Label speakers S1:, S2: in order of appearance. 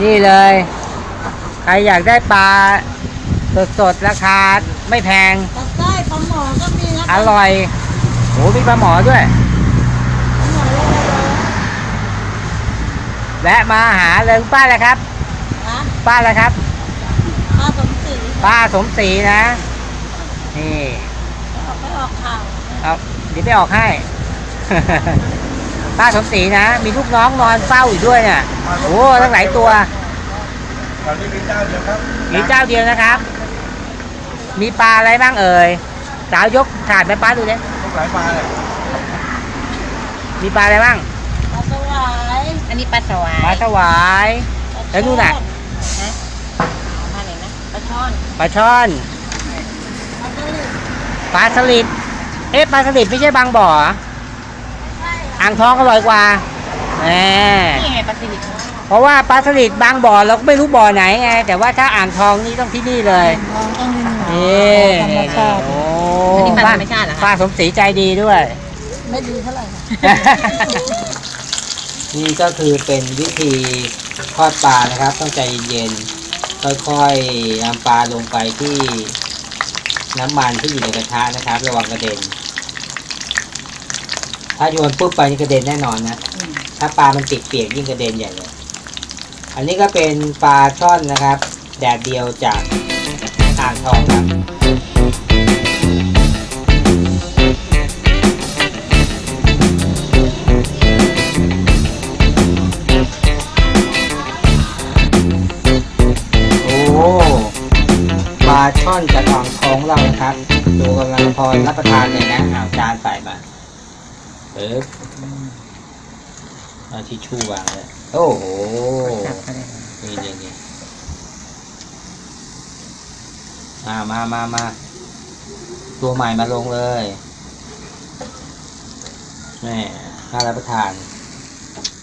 S1: นี่เลย ใครอยากได้ปลาสดๆราคาไม่แพง
S2: ตัดได้ปลาหมอก็มีนะ
S1: อร่อยโหมีปลาหมอด้วย
S2: ปลาหมอโลละ
S1: และมาหาเลยป้าอะไรครับ
S2: นะ
S1: ป้าอะไรครับ
S2: ปลาสมศรี
S1: ป้าสมศรีนะ นี่
S2: ไม่ออกข่าว
S1: เอาเดี๋ยวไปออกให้ ป้าสมศรีนะ มีลูกน้องนอนเฝ้าอยู่ด้วยเนี่ยโอ้ตั้งหลายตัว
S3: ตอนนี้มีเจ้าเดียวครับ
S1: มีเจ้าเดียวนะครับ มีปลาอะไรบ้างเอ่ยสาวยกถาดไปป้าดูดิ
S3: ทุกหลายปลาเลย
S1: มีปลาอะไรบ้าง
S2: ปลาสวาย
S4: อันนี้ปลาสวา
S1: ปลาย สวาย แล้วนู่นน่ะ
S4: ปลาไหนนะปลาช่อน
S1: ปลาช่อน
S2: ปลาสลิด
S1: ปลาสลิด เอ๊ะปลาสลิดไม่ใช่บางบ่อเหรออ่างทองอร่อยกว่าแหม
S4: นี่ไงปลาสลิด
S1: เพราะว่าปลาสลิดบางบ่อเราก็ไม่รู้บ่อไหนไงแต่ว่าถ้าอ่างทองนี่ต้องที่นี่เลย
S2: ทองต้องมีหนู
S1: นี่
S2: ธรรมชาติ
S1: โอ้
S4: อันนี้ปลาธรรมชาติเหรอ
S1: ป้า
S4: คะ
S1: สมศรีใจดีด้วย
S2: ไม่ดีเท่าไหร่
S1: นี่ก็คือเป็นวิธีทอดปลานะครับต้องใจเย็นๆค่อยๆนำปลาลงไปที่น้ำมันที่อยู่ในกระทะนะครับระวังกระเด็น ถ้าโยนปุ๊บไปนี่กระเด็นแน่นอนนะถ้าปลามันติดเปียกยิ่งกระเด็นใหญ่เลยอันนี้ก็เป็นปลาช่อนนะครับแดดเดียวจากอ่างทองครับปลาช่อนจากอ่างทองเรานะครับดูกำลังพอรับประทานเลยนะเอาจานใส่มาเอาทิชชู่วางเลยโอ้โหนี่มาตัวใหม่มาลงเลยแม่น่ารับประทาน